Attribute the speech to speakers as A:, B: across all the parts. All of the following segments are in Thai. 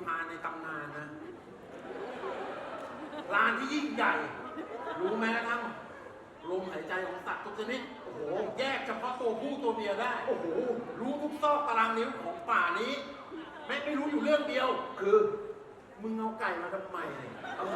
A: พานในตำนานนะลานที่ยิ่งใหญ่รู้แม้กระทั่งลมหายใจของสัตว์ทุกชนิดโอ้โหแยกเฉพาะตัวผู้ตัวเมียได้โอ้โหรู้ทุกซอกตารางนิ้วของป่านี้ไม่รู้อยู่เรื่องเดียวคือมึงเอาไก่มาทำไมเนี่ย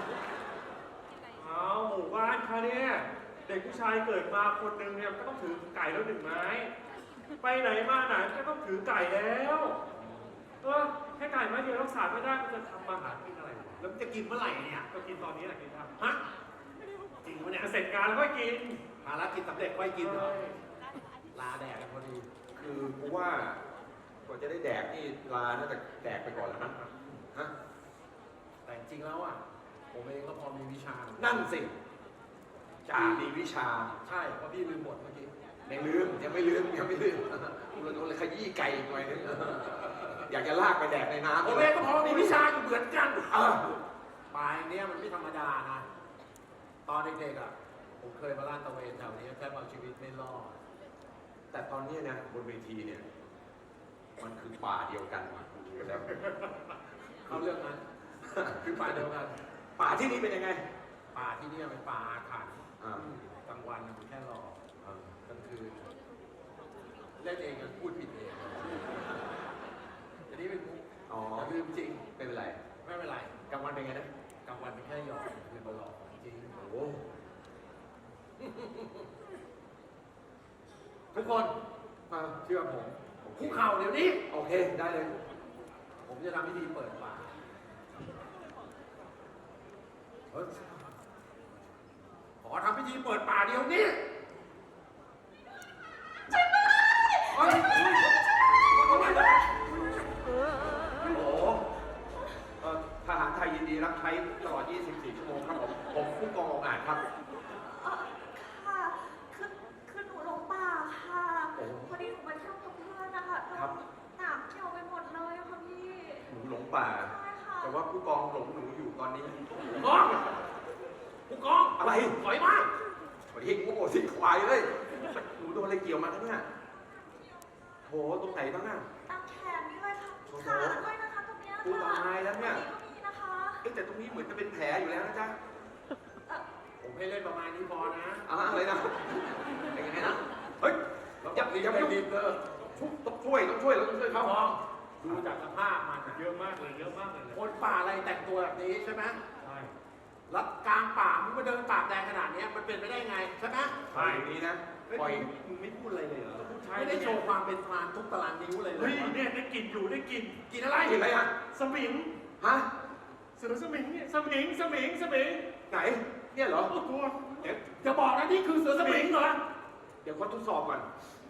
B: เอาหมู่บ้านค่ะเนี่ยเด็กผู้ชายเกิดมาคนหนึ่งเนี่ยก็ต้องถือไก่แล้ว1 ไม้ไปไหนมาไหนก็ต้องถือไก่แล้วแค่ไก่ไม้เดียวรักษาไม่ได้มันจะทำมาหากินอะไร
A: แล้วจะกินเมื่อไหร่เนี่ย
B: ก็กินตอนนี้แหละกินครับ
A: ฮะจริงวะเนี่ย
B: เสร็จงานแล้วก็กิน
A: ภารกิจสำเร็จไว้กินเหรอลาแดกกันพอดี
C: คือกูว่ากว่าจะได้แดกนี่ลาน่าจะแดกไปก่อนแล้วนะฮะ
A: แต่จริงแล้วอ่ะผมเองก็พอมีวิชา
C: นั่นสิจ่ามีวิชา
A: ใช่เพราะพี่ลืมบทเมื่อกี้
C: ยังลืมยังไม่ลืมกูเลยขยี้ไก่หน่อยนึงอยากจะลากไปแดกในน้ำ
A: ผมเองก็พอมีวิชาอยู่เหมือนกันป่าอย่างนี้มันไม่ธรรมดานะตอนเด็กๆอ่ะผมเคยมาลาดตระเวนแถวนี้แค่เอาชีวิตไม่รอด
C: แต่ตอนนี้นะบนเวทีเนี่ยมันคือป่าเดียวกันแล้ว
A: เขาเรื่องนั้นคือป่าเดียวกัน
C: ป่าที่นี่เป็นยังไง
A: ป่าที่นี่เป็นป่าอาถรรพ์กลางวันมันแค่รอกลางคืนเล่นเองกันพูดผิดเองอันนี้เป็นมุกแต่ลืมจริง
C: ไม่เป็นไร
A: ไม่เป็นไร
C: กลางวันเป็นไงนะ
A: กลางวันเป็นแค่หยอกคืนมาหลอกจริง
C: โอ้
A: ทุกคนเชื่อผมคุกเข่าเดี๋ยวนี้
C: โอเคได้เลย
A: ผมจะทำพิธีเปิดป่าขอทำพิธีเปิดป่าเดี๋ยวนี้
C: ทหารไทยยินดีรับใช้ตลอด 24 ชั่วโมงครับผมผู้กององอาจครับ
D: ค่ะคือหนูหลงป่าค่ะพอดีหนูมาเที่ยวกับเพื่อนนะคะหนามเกี่ยวไปหมดเลยค่ะพี่
C: หนูหลงป่าแต่ว่าผู้กองหลงหนูอยู่ตอนนี้
A: ผู้กอง
C: อะไร
A: ถอยมา
C: วันนี้งูโง่สิควายเลยหนูโดนอะไรเกี่ยวมาเนี่ยโถตรงไหนบ้างอ่ะ
D: ตามแขนนี่เลยค่ะขาด้วยนะคะตรงนี้ค่ะ
C: กูตายแล้วเนี่ย
D: นี่นะคะ
C: แต่ตรงนี้เหมือนจะเป็นแผลอยู่แล้วนะจ๊ะ
A: ผมให้เล่นประมาณนี้พอนะ
C: อะไรนะเป็นยังไงนะเฮ้ยอย่าไม่รีบเลยต้องช่วยเขา
A: ดูจากสภาพมัน
B: เยอะมากเลย
A: คนป่าอะไรแต่งตัวแบบนี้ใช่ไหม
B: ใช่
A: แล้วกลางป่ามึงมาเดินปากแดงขนาดนี้มันเป็นไปได้ไงใช่ไหม
C: ใช่นี้นะปล่อย
A: มึงไม่พูดอะไรเลยเหรอไม่ได้โชว์ความเป็นพรานทุกตารางนิ้วเลย
B: เฮ้ยเนี่ยได้กลิ่นอยู่ได้กลิ่น
A: อะไร
C: ฮะ
B: สมิง
C: ฮะ
B: เสือสมิงเนี่ยสมิง
C: ไหนเนี่ยเหรอ
B: ตัว
A: จะบอกนะนี่คือเสือสมิงเหรอ
C: เดี๋ยวขอทดสอบก่อน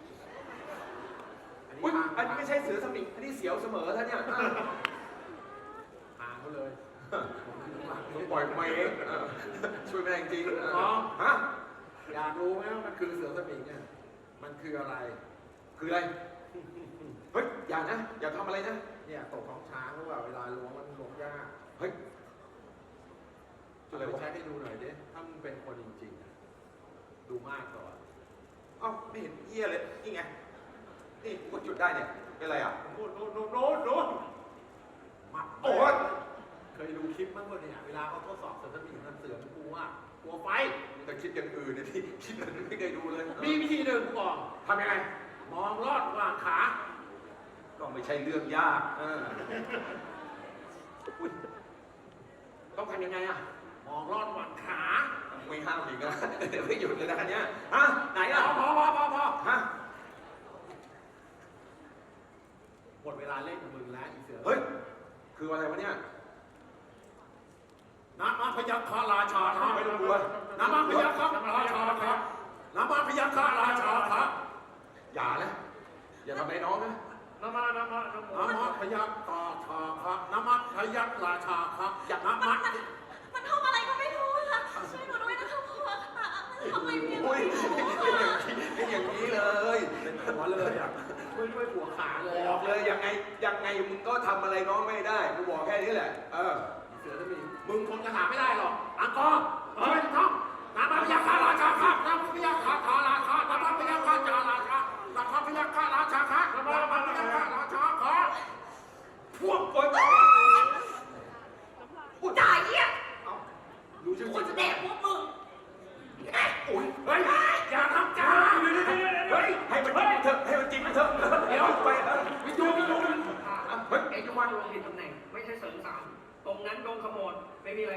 C: อันนี้ไม่ใช่เสือสมิงอันนี้เสียวเสมอท่านเนี่ย
A: หางเขาเลย
C: ปล่อยมาเองช่วยไม่ได้จริง
A: ฮะอยากรู้ไหมว่ามันคือเสือสมิงเนี่ยมันคืออะไร
C: เฮ้ยอย่าทำอะไรนะ
A: เนี่ยตกของช้างหรือเปล่าเวลาล้วงมันล้วงยาก
C: เฮ้ย
A: อะไรใช้ให้ดูหน่อยดิถ้ามึงเป็นคนจริงๆดูมากก่อน
C: ไม่เห็นเหี้ยเลยนี่ไงนี่กดจุดได้เนี่ยเป็นไรอ่ะ
B: โน้น
A: มา
C: โอ้ย
A: เคยดูคลิปมั้งวะเนี่ยเวลาเขาทดสอบเสือสมิงนั่นเสือมันกลัวไฟ
C: แต่คิดอย่างอื่นเนี่ยที่คิดแบบไม่เคยดูเลย
A: มีวิธีเดินกูบอก
C: ทำยังไง
A: มองลอดวางขา
C: ก็ไม่ใช่เรื่องยากต้องทำยังไงอ่ะ
A: มองลอดวางขา
C: ไม่ห้ามอีกนะเดี๋ยวไม่หยุดเลยนะคันนี้ไหนอ่ะ
A: พอ
C: ฮะ
A: หมดเวลาเล่นกับมึงแล้วอีเสือ
C: เฮ้ยคืออะไรวะเนี่ย
A: น้ำมันพยัคฆราชาท้า
C: ไม่ต้องกลัว
A: น้ำมันพยัคฆราชาท้าน้ำมันพยัคฆราชาท้า
C: อย่านะอย่าทำอะไรน้องนะ
B: น้ำมัน
A: พยัคฆราชาท้าน้ำมันพยัคฆราชาท้าอย่าน้ำ
D: มันทำอะไรก็ไม่รู้ค่ะช่วยหนูด้วยนะคะพ่อค่ะทำไมเพี้ยน
C: เป็นอย่างนี้เลย
A: เป็นหัวเลยอ่ะช่วยหัวขาเลย
C: บอกเลยยังไงมึงก็ทำอะไรน้องไม่ได้กูบอกแค่นี้แหละ
A: เสือจะมีมึงคงจะหาไม่ได้หรอกอังกอร์ท่องน้ำมันพยัคฆราชาครับน้ำมันพยัคฆราชาน้ำมันพยัคฆราชาน้ำมันพยัคฆราชาครับน้ำมันพยัคฆราชาครับพวกคน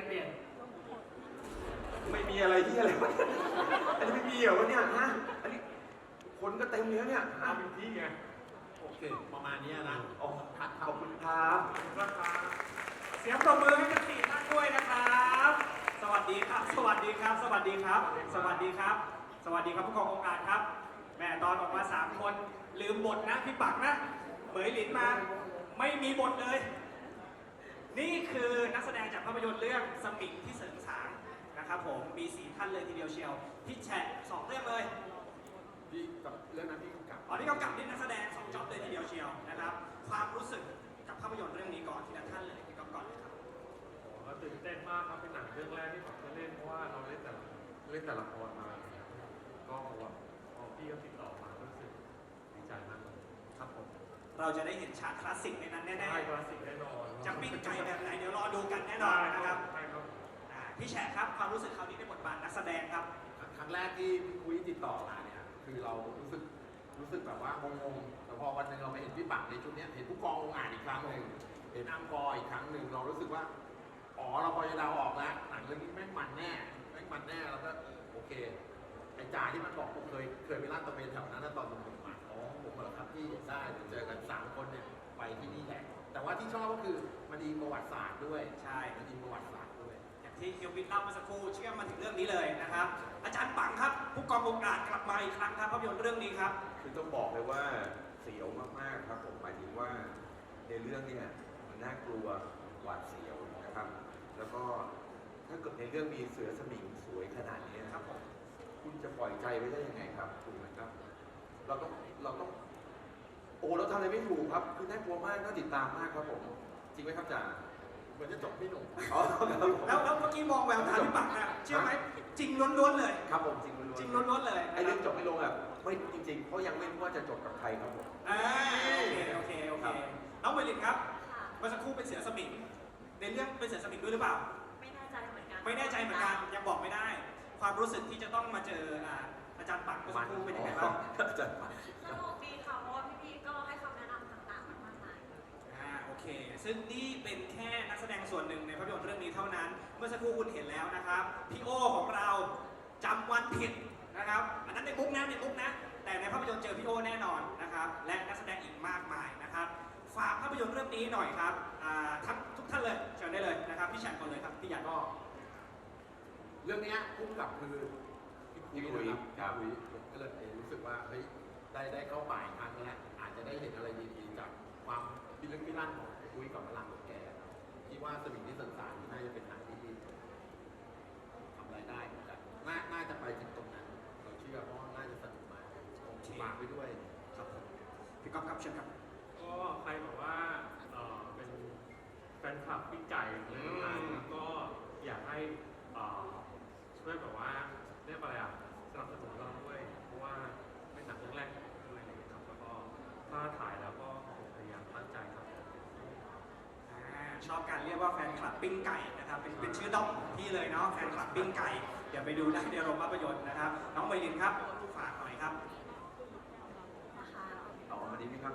B: เปลี่ยน
C: ไม่มีอะไรที่อะไรวะเนี่ยอันนี้ไม่มีเหรอวะเนี่ยฮะอันนี้คนก็เต็มเลยเนี่ย
B: เอาเป็นที่ไง
A: โอเค ประมาณนี้นะ
C: อ๋อ
A: ทัด
C: ข
A: ครั
C: อ
A: บบ
C: คุณครับ
B: ราคาเสียงปรบมือให้ทั้ง4ท่านด้วยนะครับ สวัสดีครับ สวัสดีครับ สวัสดีครับ สวัสดีครับ สวัสดีครับผู้กององค์การครับ แม่ตอนออกมา3คนลืมบทนะพี่ปักนะเหมยหลินมาไม่มีบทเลย นี่คือนักแสดงจากภาพยนตร์เรื่องสมิงที่เสริงสางนะครับผมมี4ท่านเลยทีเดียวเชียวพี่แฉะ2เรื่องเลย
A: พี่กับเรื่องนั้นพี่กำกับ
B: อ๋อนี่กำกับนี่นักแสดง2จ็อบเลยทีเดียวเชียวนะครับ ความรู้สึกกับภาพยนตร์เรื่องนี้ก่อนทีละท่านเลยพี่ก๊อฟก่อนเลยครับ
E: ก็ตื่นเต้นมากครับเป็นหนังเรื่องแรกที่ผมได้เล่นเพราะว่าเราเล่นแต่ละครมาก็พอพี่เขาติดต่อมาก็รู้สึกดีใจมากเลย
B: ครับผมเราจะได้เห็นฉากคลาสสิกในนั้นแน่
E: ใช่คลาสสิกแน่นอน
B: ๆจะปิ้งไก่แบบไหนเดี๋ยวรอดูกันแน่นอนนะครับ
E: ใช่ครับ
B: พี่แฉะครับความรู้สึกคราวนี้ในบทบาทนักแสดงครับ
A: ครั้งแรกที่พี่คุยติดต่อมาเนี่ยคือเรารู้สึกแบบว่างงๆแต่พอวันหนึ่งเรามาเห็นพี่ปักในชุดเนี้ยเห็นผู้กององค์อาจอีกครั้งหนึ่งเห็นอังกอร์อีกครั้งหนึ่งเรารู้สึกว่าอ๋อเราพอจะเดาออกแล้วหนังเรื่องนี้แม่งมันแน่แล้วก็โอเคไอ้จ่าที่มันบอกผมเคยไปลาดตระเวนแถวนั้นนะตอนผมมาอ๋อผมเหรอครับพี่ได้เดี๋ยวเจอกัน3คนเนี่ยไปที่นี่แหละแต่ว่าที่ชอบก็คือมันมีประวัติศาสตร์ด้วย
B: ใช่
A: มันมีประวัติศาสตร์ด้วย
B: อย่างที่เฮียวิทย์เล่าเมื่อสักครู่เชื่อมมาถึงเรื่องนี้เลยนะครับ อาจารย์ปังครับผู้กององค์อาจกลับมาอีกครั้งครับภาพยนตร์เรื่องนี้ครับ
C: คือต้องบอกเลยว่าเสียวมากๆครับผมหมายถึงว่าในเรื่องเนี่ยมันน่ากลัวหวาดเสียวนะครับ แล้วก็ถ้าเกิดในเรื่องมีเสือสมิงสวยขนาดนี้นะครับผมคุณจะปล่อยใจไว้ได้ยังไงครับถูกไหมครับ เราต้องโอ้เราทำอะไรไม่ถูกครับคือน่ากลัวมากน่าติดตามมากครับผมจริงไหมครับจ่า
A: เหมือนจะจบพี่หนุ่ม
C: อ๋อครับผม
B: แล้วเมื่อกี้มองแววตาพี่ปักนะเชื่อไหมจริงล้วนๆเลย
C: ครับผมจริงล้วนๆ
B: จริงล้วนๆเลย
C: ไอ้เรื่องจบไม่ลงอ่ะไม่จริงๆเพราะยังไม่รู้ว่าจะจบกับใครครับผม
B: โอเคน้องเมลินครับเมื่อสักครู่เป็นเสือสมิงในเรื่องเป็นเสือสมิงด้วยหรือเปล่า
D: ไม่แน่ใจเหมือนกัน
B: ไม่แน่ใจเหมือนกันยังบอกไม่ได้ ความรู้สึกที่จะต้องมาเจออาจารย์ปักเมื่อสักครู่เป็นยังไงบ้าง
C: อาจารย์ปัก
D: สนุกดีค่ะเพราะว่าพี่ๆก็ให้คำแนะนำต่างๆมามากมาย
B: โอเค ซึ่งนี่เป็นแค่นักแสดงส่วนหนึ่งในภาพยนตร์เรื่องนี้เท่านั้น เมื่อสักครู่คุณเห็นแล้วนะครับพี่โอของเราจำวันผิดนะครับ อันนั้นในมุกนะแต่ในภาพยนตร์เจอพี่โอแน่นอนนะครับ และนักแสดงอีกมากมายนะครับ ฝากภาพยนตร์เรื่องนี้หน่อยครับทุกท่านเลยเชิญได้เลยนะครับพี่แฉกก่อนเลยครับพี่ใหญ่ก็
A: เรื่องเนี้ยพุ่งกับคือพี่คุยนะครับพี่คุยผมก็เลยรู้สึกว่าเฮ้ยได้เข้าป่าอีกครั้งแล้วอาจจะได้เห็นอะไรดีๆจากความพิลึกพิลั่นของคุยกับพลังของแกคิดว่าสมิงที่สันสารน่าจะเป็นหนังที่ทำรายได้เหมือนกันน่าจะไปถึงตรงนั้นเราเชื่อเพราะว่าน่าจะสนุกมากฝากไปด้วย
B: ครับผมพี่ก๊อฟครับเชิญครับ
E: ก็ใครบอกว่าเป็นแฟนคลับพี่ไก่ในตำนานก็อยากให้ช่วยแบบว่าเรียกอะไรสนับสนุนเราด้วยเพราะว่าเป็นหนังเรื่องแรกของผมด้วยอะไรอย่างเงี้ยครับแล้วก็ถ้าถ่ายแล้วก็พยายามตั้งใจครับ
B: ชอบการเรียกว่าแฟนคลับปิ้งไก่นะครับเป็นชื่อด้อมของพี่เลยเนาะแฟนคลับปิ้งไก่เดี๋ยวไปดูได้ในโรงภาพยนตร์นะครับน้องเมลินครับฝากหน่อยครับ
D: นะคะ
C: ต่อมาดีไหมครับ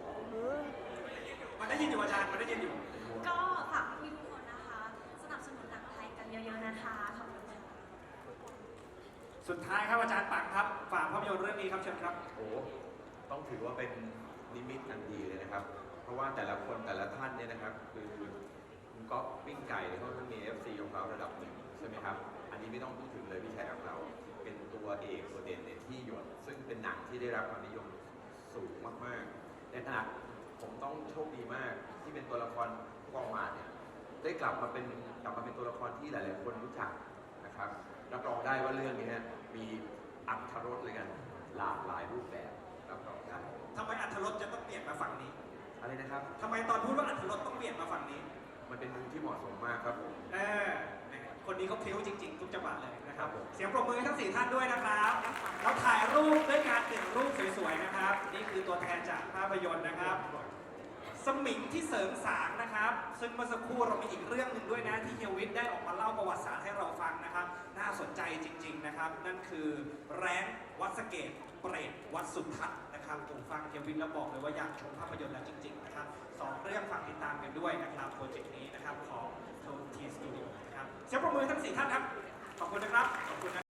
B: มันได้ยินอยู่อาจารย์มันได้ยินอยู่
D: ก็ฝากพี่ทุกคนนะคะ สนับสนุนหนังไทยกันเยอะๆนะคะขอบคุณค่ะ
B: สุดท้ายครับอาจารย์ปังครับฝากภาพยนตร์เรื่องนี้ครับเชิญครับ
C: โอ้ต้องถือว่าเป็นนิมิตอันดีเลยนะครับ เพราะว่าแต่ละคนแต่ละท่านเนี่ยนะครับคือคุณก๊อฟปิ้งไก่เขาต้องมี FC ของเขาระดับหนึ่งใช่ไหมครับ อันนี้ไม่ต้องพูดถึงเลยพี่ชายของเรา เป็นตัวเอกตัวเด่นในที่หยดซึ่งเป็นหนังที่ได้รับความนิยมสูงมากๆในขณะผมต้องโชคดีมากที่เป็นตัวละครกองมาเนี่ยได้กลับมาเป็นตัวละครที่หลายๆคนรู้จักนะครับรับรองได้ว่าเรื่องนี้มีอรรถรสเลยกันหลากหลายรูปแบบรับรองได้
B: ทำไมอัธรสจะต้องเปลี่ยนมาฝั่งนี้
C: อะไรนะครับ
B: ทำไมตอนพูดว่าอัธรสต้องเปลี่ยนมาฝั่งนี้
C: มันเป็นมุมที่เหมาะสมมากครับผม
B: คนนี้เขาพลิ้วจริงๆ ทุกจังหวะเลยนะครับ
C: ครับผม
B: เสียงปรบมือให้ทั้ง4ท่านด้วยนะครับเราถ่ายรูปด้วยการ1รูปสวยๆนะครับ นี่คือตัวแทนจากภาพยนตร์นะครับ สมิงที่เสริงสางนะครับ ซึ่งเมื่อสักครู่เรามีอีกเรื่องหนึ่งด้วยนะที่เฮียวิทย์ได้ออกมาเล่าประวัติศาสตร์ให้เราฟังนะครับ น่าสนใจจริง ๆนะครับ นั่นคือแรงวัดสะเกตเปรตวัดสุทัศน์นะครับผมฟังเฮียวิทย์แล้วบอกเลยว่าอยากชมภาพยนตร์แล้วจริง ๆนะครับ2 เรื่องฝากติดตามกันด้วยนะครับโปรเจกต์นี้นะครับของโทนทีสตูดิโอนะครับ
F: เสียงปรบมือทั้ง4ท่านครับขอบคุณนะครับขอบคุณนะ